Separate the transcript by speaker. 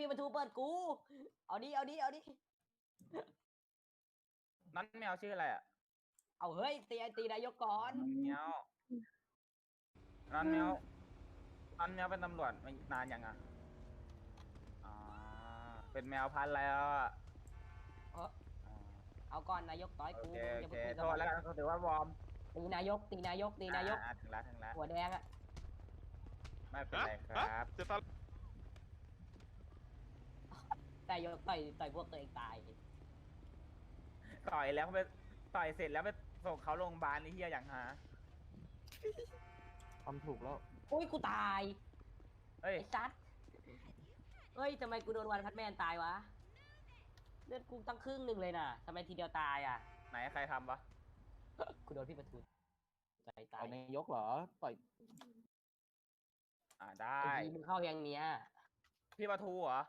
Speaker 1: ประตูเปิดกูเอาดิเอาดิเอาดิ
Speaker 2: นั่นแมวชื่ออะไรอ่ะ
Speaker 1: เอาเฮ้ยตีนายกก่อน
Speaker 2: แมวนั่นแมวนั่นแมวเป็นตำรวจมานานยังอ่ะอ๋อเป็นแมวพันธุ์แล้วอ่ะ
Speaker 1: เออเอาก่อนนายกต่อย
Speaker 2: โอ
Speaker 1: กู
Speaker 2: เค
Speaker 1: มึง
Speaker 2: โอ
Speaker 1: จะ
Speaker 2: เค
Speaker 1: ไปคุย
Speaker 2: โท
Speaker 1: กับ
Speaker 2: ษ
Speaker 1: มัน
Speaker 2: แล้วกันเขาถือว่าวอร์ม
Speaker 1: ตีนายกถึงแล้ว
Speaker 2: ถึงแล้ว
Speaker 1: หัวแดงอะ
Speaker 2: ไม่เป็นไรครับ
Speaker 3: จะตอน
Speaker 1: นายกต่อยพวกตัวเองตาย
Speaker 2: ต่อยแล้วไปต่อยเสร็จแล้วไปส่งเขาโรงพยาบาลนี่เฮียอย่างหา
Speaker 4: ทำถูกแล้ว
Speaker 1: อุ้ยกูตาย
Speaker 2: เฮ้ย
Speaker 1: ไอ้ซัดเฮ้ยทำไมกูโดนวันพัดแมนตายวะเลือดกูตั้งครึ่งหนึ่งเลยน่ะทำไมทีเดียวตายอ่ะ
Speaker 2: ไหนใครทำวะ
Speaker 1: กูโดนพี่ประทุนตาย
Speaker 4: ต่อยนายกเหรอ ต่อย
Speaker 2: ได้
Speaker 1: ไอ้ทีมึงเข้าอย่างเนี้ย
Speaker 2: พี่ปะทูเหรอ